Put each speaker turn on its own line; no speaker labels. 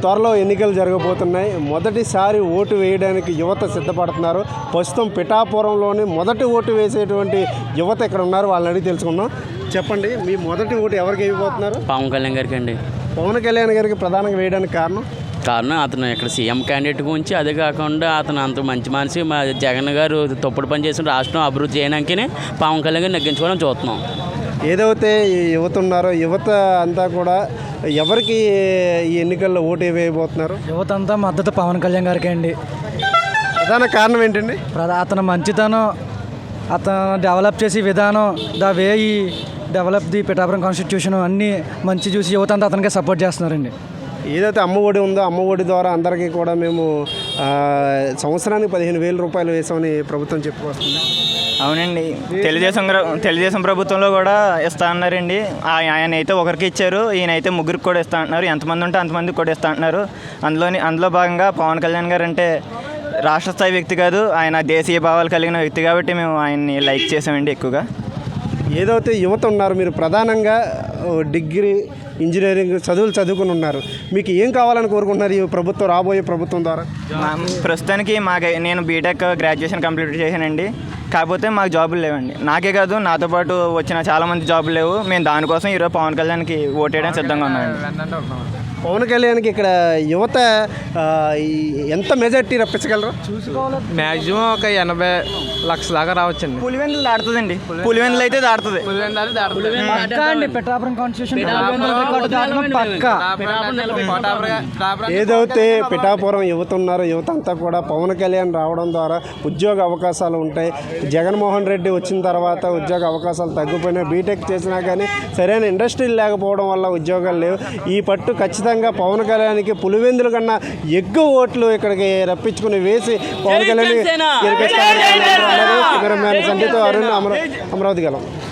త్వరలో ఎన్నికలు జరగబోతున్నాయి. మొదటిసారి ఓటు వేయడానికి యువత సిద్ధపడుతున్నారు. ప్రస్తుతం పిఠాపురంలోని మొదటి ఓటు వేసేటువంటి యువత ఇక్కడ ఉన్నారు. వాళ్ళని అడిగి తెలుసుకుందాం. చెప్పండి, మీ మొదటి ఓటు ఎవరికి వేయబోతున్నారు?
పవన్ కళ్యాణ్ గారికి అండి.
పవన్ కళ్యాణ్ గారికి ప్రధానంగా వేయడానికి కారణం
అతను ఇక్కడ సీఎం క్యాండిడేట్ గురించి, అదే కాకుండా అతను అంత మంచి మనిషి. మా జగన్ గారు తప్పుడు పని చేసిన రాష్ట్రం అభివృద్ధి చేయడానికనే పవన్ కళ్యాణ్ గారిని నెగ్గించుకోవడం చూస్తున్నాం.
ఏదైతే ఈ యువత ఉన్నారో యువత అంతా కూడా ఎవరికి ఈ ఎన్నికల్లో ఓటు వేయబోతున్నారు?
యువత అంతా మద్దతు పవన్ కళ్యాణ్ గారికి అండి.
ప్రధాన కారణం ఏంటండి?
అతను మంచితనం, అతను డెవలప్ చేసే విధానం, ద వే ఈ డెవలప్ ది పిఠాపురం కాన్స్టిట్యూషన్ అన్నీ మంచి చూసి యువత అంతా అతనికే సపోర్ట్ చేస్తున్నారండి.
ఏదైతే అమ్మ ఒడి ఉందో అమ్మ ఒడి ద్వారా అందరికీ కూడా మేము సంవత్సరానికి 15,000 రూపాయలు వేసామని ప్రభుత్వం చెప్పుకొస్తుంది.
అవునండి, తెలుగుదేశం ప్రభుత్వంలో కూడా ఇస్తా అన్నారండి. ఆయన అయితే ఒకరికి ఇచ్చారు, ఈయన అయితే ముగ్గురికి కూడా ఇస్తా అంటున్నారు. ఎంతమంది ఉంటే అంతమందికి కూడా ఇస్తా అంటున్నారు. అందులో భాగంగా పవన్ కళ్యాణ్ గారు అంటే రాష్ట్ర స్థాయి వ్యక్తి కాదు, ఆయన దేశీయ భావాలు కలిగిన వ్యక్తి కాబట్టి మేము ఆయన్ని లైక్ చేసామండి ఎక్కువగా.
ఏదైతే యువత ఉన్నారు, మీరు ప్రధానంగా డిగ్రీ ఇంజనీరింగ్ చదువులు చదువుకుని ఉన్నారు, మీకు ఏం కావాలని కోరుకుంటున్నారు ఈ ప్రభుత్వం, రాబోయే ప్రభుత్వం ద్వారా?
ప్రస్తుతానికి నేను బీటెక్ గ్రాడ్యుయేషన్ కంప్లీట్ చేశానండి. కాకపోతే మాకు జాబులు లేవండి. నాకే కాదు, నాతో పాటు వచ్చిన చాలామంది జాబులు లేవు. మేము దానికోసం ఈరోజు పవన్ కళ్యాణ్కి ఓటేయడానికి సిద్ధంగా ఉన్నామండి.
పవన్ కళ్యాణ్కి ఇక్కడ యువత ఎంత మెజార్టీ రప్పించగలరు?
మ్యాక్సిమం ఒక 80 లక్షల దాకా రావచ్చండి.
పులివెందులు దాడుతుందండి. పులివెందులు అయితే దాడుతుంది.
పిఠాపురం కాన్స్టిట్యూషన్
ఏదైతే పిఠాపురం యువత ఉన్నారో యువత అంతా కూడా పవన్ కళ్యాణ్ రావడం ద్వారా ఉద్యోగ అవకాశాలు ఉంటాయి. జగన్మోహన్ రెడ్డి వచ్చిన తర్వాత ఉద్యోగ అవకాశాలు తగ్గిపోయినాయి. బీటెక్ చేసినా కానీ సరైన ఇండస్ట్రీలు లేకపోవడం వల్ల ఉద్యోగాలు లేవు. ఈ పట్టు ఖచ్చితంగా పవన్ కళ్యాణ్కి పులివెందుల కన్నా ఎక్కువ ఓట్లు ఇక్కడికి రప్పించుకుని వేసి పవన్ కళ్యాణ్ గెలిపిస్తారు. కెమెరామ్యాన్ సంగీత అరుణ్, అమరావతి గలం.